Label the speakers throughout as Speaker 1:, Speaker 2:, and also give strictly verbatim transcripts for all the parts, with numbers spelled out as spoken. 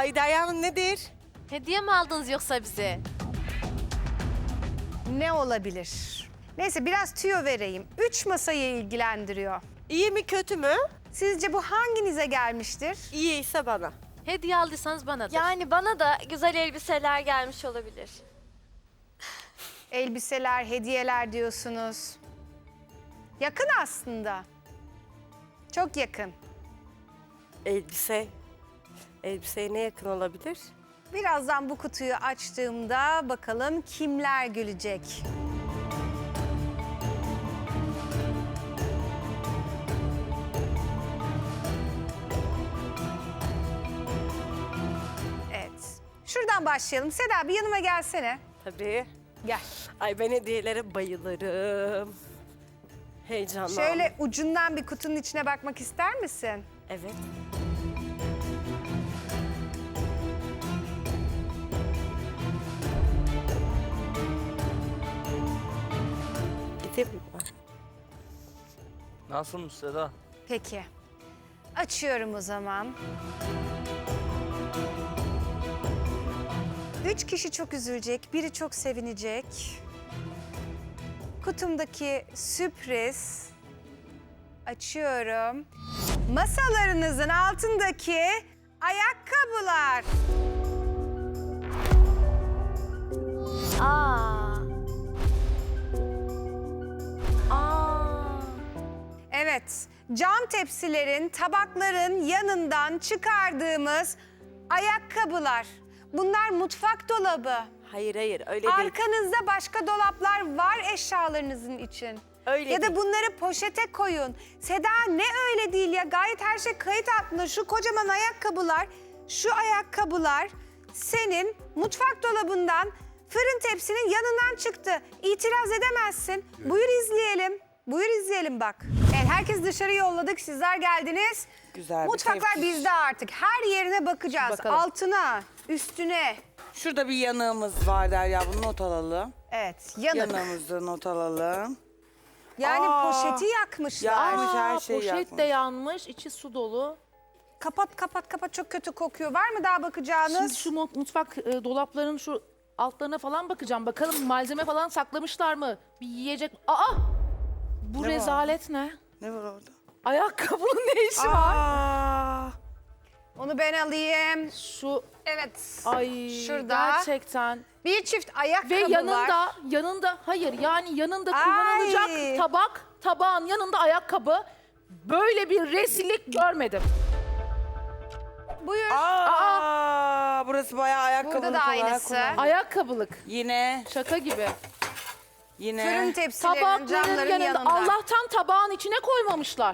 Speaker 1: Ay Derya nedir?
Speaker 2: Hediye mi aldınız yoksa bize?
Speaker 3: Ne olabilir? Neyse biraz tüyo vereyim. Üç masayı ilgilendiriyor.
Speaker 1: İyi mi kötü mü?
Speaker 3: Sizce bu hanginize gelmiştir?
Speaker 1: İyi ise bana.
Speaker 2: Hediye aldıysanız bana da.
Speaker 4: Yani bana da güzel elbiseler gelmiş olabilir.
Speaker 3: Elbiseler, hediyeler diyorsunuz. Yakın aslında. Çok yakın.
Speaker 1: Elbise. Elbiseye ne yakın olabilir?
Speaker 3: Birazdan bu kutuyu açtığımda bakalım kimler gülecek. Evet. Şuradan başlayalım. Seda bir yanıma gelsene.
Speaker 1: Tabii.
Speaker 3: Gel.
Speaker 1: Ay ben hediyelere bayılırım. Heyecanlı.
Speaker 3: Şöyle ucundan bir kutunun içine bakmak ister misin?
Speaker 1: Evet. Gideyim mi?
Speaker 5: Nasılmış Seda?
Speaker 3: Peki. Açıyorum o zaman. Üç kişi çok üzülecek, biri çok sevinecek. Kutumdaki sürpriz. Açıyorum. Masalarınızın altındaki ayakkabılar.
Speaker 4: Aa. Aa.
Speaker 3: Evet, cam tepsilerin, tabakların yanından çıkardığımız ayakkabılar. Bunlar mutfak dolabı.
Speaker 1: Hayır hayır öyle değil.
Speaker 3: Arkanızda başka dolaplar var eşyalarınızın için.
Speaker 1: Öyle
Speaker 3: ya da
Speaker 1: değil.
Speaker 3: bunları poşete koyun. Seda ne öyle değil ya, gayet her şey kayıt altında. Şu kocaman ayakkabılar, şu ayakkabılar senin mutfak dolabından fırın tepsinin yanından çıktı. İtiraz edemezsin. Buyur izleyelim. Buyur izleyelim bak. Evet, herkes dışarı yolladık, sizler geldiniz.
Speaker 6: Güzel bir
Speaker 3: Mutfaklar
Speaker 6: tepki.
Speaker 3: bizde artık. Her yerine bakacağız.
Speaker 6: Bakalım.
Speaker 3: Altına, üstüne.
Speaker 6: Şurada bir yanığımız var Derya, bunu not alalım.
Speaker 3: Evet, yanık.
Speaker 6: Yanığımızı not alalım.
Speaker 3: Yani
Speaker 6: Aa,
Speaker 3: poşeti yakmışlar.
Speaker 6: yakmış. her şeyi
Speaker 7: poşet
Speaker 6: yakmış.
Speaker 7: de yanmış, içi su dolu.
Speaker 3: Kapat kapat kapat, çok kötü kokuyor. Var mı daha bakacağınız?
Speaker 7: Şimdi şu mu- mutfak e, dolaplarının şu altlarına falan bakacağım. Bakalım malzeme falan saklamışlar mı? Bir yiyecek... Aa! Bu
Speaker 6: Ne var?
Speaker 7: rezalet ne?
Speaker 6: Ne var orada?
Speaker 7: Ayakkabının ne işi var?
Speaker 6: Aa,
Speaker 3: Onu ben alayım.
Speaker 7: Şu,
Speaker 3: Evet.
Speaker 7: ay
Speaker 3: Şurada.
Speaker 7: gerçekten.
Speaker 3: Bir çift ayakkabı
Speaker 7: Ve
Speaker 3: var.
Speaker 7: yanında, yanında, hayır yani yanında
Speaker 3: Ay.
Speaker 7: kullanılacak tabak, tabağın yanında ayakkabı. Böyle bir rezillik görmedim.
Speaker 3: Buyur.
Speaker 6: aa, burası bayağı ayakkabılık
Speaker 3: Burada da
Speaker 6: olarak
Speaker 3: aynısı.
Speaker 6: kullanılıyor.
Speaker 7: Ayakkabılık.
Speaker 6: Yine,
Speaker 7: Şaka gibi.
Speaker 6: yine.
Speaker 3: Fırın tepsilerinin,
Speaker 7: Tabakların
Speaker 3: camların
Speaker 7: yanında.
Speaker 3: yanında.
Speaker 7: Allah'tan tabağın içine koymamışlar.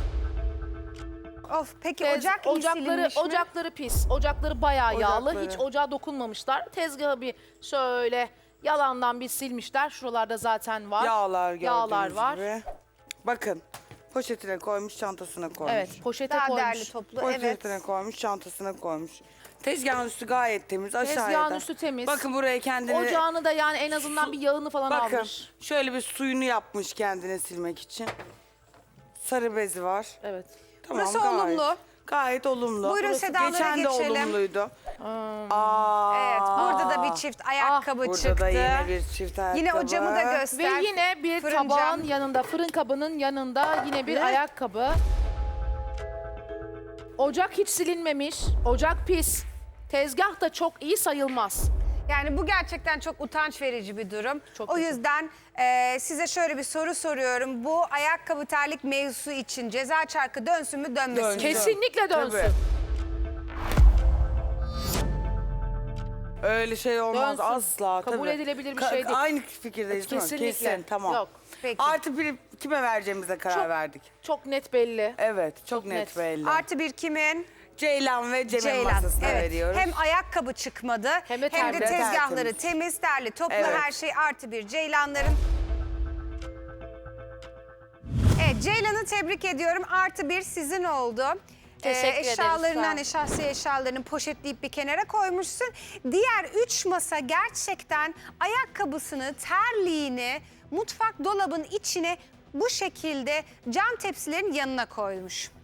Speaker 3: Of, peki
Speaker 7: Tez-
Speaker 3: ocak iyi
Speaker 7: ocakları,
Speaker 3: silinmiş mi?
Speaker 7: ocakları pis. Ocakları bayağı yağlı.
Speaker 6: Ocakları.
Speaker 7: Hiç ocağa dokunmamışlar. Tezgahı bir şöyle yalandan bir silmişler. Şuralarda zaten var.
Speaker 6: Yağlar gördüğünüz
Speaker 7: Yağlar var.
Speaker 6: gibi. Bakın, poşetine koymuş, çantasına koymuş.
Speaker 7: Evet, poşete
Speaker 3: Daha
Speaker 7: koymuş.
Speaker 3: derli toplu,
Speaker 6: Poşetine
Speaker 3: evet.
Speaker 6: koymuş, çantasına koymuş. Tezgahın üstü gayet temiz, aşağıya
Speaker 7: Tezgahın
Speaker 6: da.
Speaker 7: üstü temiz.
Speaker 6: Bakın buraya kendini...
Speaker 7: Ocağını da yani en azından bir yağını falan
Speaker 6: Bakın,
Speaker 7: almış.
Speaker 6: şöyle bir suyunu yapmış kendine silmek için. Sarı bezi var.
Speaker 7: Evet.
Speaker 6: Tamam,
Speaker 3: Burası
Speaker 6: gayet,
Speaker 3: olumlu.
Speaker 6: Gayet olumlu.
Speaker 3: Buyurun
Speaker 6: Burası
Speaker 3: Seda'lara
Speaker 6: geçen de
Speaker 3: geçelim.
Speaker 6: olumluydu. Aa,
Speaker 3: Evet, burada da bir çift ayakkabı
Speaker 6: burada
Speaker 3: çıktı.
Speaker 6: da yine bir çift ayakkabı.
Speaker 3: Yine o camı da göster.
Speaker 7: Ve yine bir
Speaker 3: Fırın
Speaker 7: tabağın
Speaker 3: cam.
Speaker 7: yanında, fırın kabının yanında yine bir
Speaker 3: Ne?
Speaker 7: ayakkabı. Ocak hiç silinmemiş. Ocak pis. Tezgah da çok iyi sayılmaz.
Speaker 3: Yani bu gerçekten çok utanç verici bir durum.
Speaker 7: Çok
Speaker 3: o
Speaker 7: kötü.
Speaker 3: yüzden e, size şöyle bir soru soruyorum. Bu ayakkabı terlik mevzusu için ceza çarkı dönsün mü dönmesin
Speaker 6: Dönsün.
Speaker 3: mi?
Speaker 7: Kesinlikle dönsün.
Speaker 6: Tabii. Öyle şey olmaz
Speaker 7: Dönsün.
Speaker 6: asla.
Speaker 7: Kabul
Speaker 6: tabii.
Speaker 7: edilebilir bir
Speaker 6: Ka-
Speaker 7: şey değil.
Speaker 6: Aynı fikirdeyiz değil mi?
Speaker 7: Kesinlikle.
Speaker 6: Kesin, tamam.
Speaker 7: Yok.
Speaker 3: Peki.
Speaker 6: Artı bir kime vereceğimize karar
Speaker 7: Çok-
Speaker 6: verdik.
Speaker 7: Çok net belli.
Speaker 6: Evet, çok,
Speaker 7: Çok
Speaker 6: net,
Speaker 7: net.
Speaker 6: belli.
Speaker 3: Artı bir kimin?
Speaker 6: Ceylan ve Cem'in
Speaker 3: Ceylan.
Speaker 6: masasına
Speaker 3: Evet.
Speaker 6: veriyoruz.
Speaker 3: Hem ayakkabı çıkmadı
Speaker 7: Hem de
Speaker 3: hem de
Speaker 7: tertemiz.
Speaker 3: tezgahları
Speaker 6: Tertemiz.
Speaker 3: temiz, derli, toplu,
Speaker 6: Evet.
Speaker 3: her şey artı bir Ceylanların. Evet, Ceylan'ı tebrik ediyorum. Artı bir sizin oldu.
Speaker 4: Teşekkür ederiz,
Speaker 3: Eşyalarını
Speaker 4: sağ olun.
Speaker 3: hani şahsi eşyalarını poşetleyip bir kenara koymuşsun. Diğer üç masa gerçekten ayakkabısını, terliğini mutfak dolabın içine bu şekilde cam tepsilerin yanına koymuş.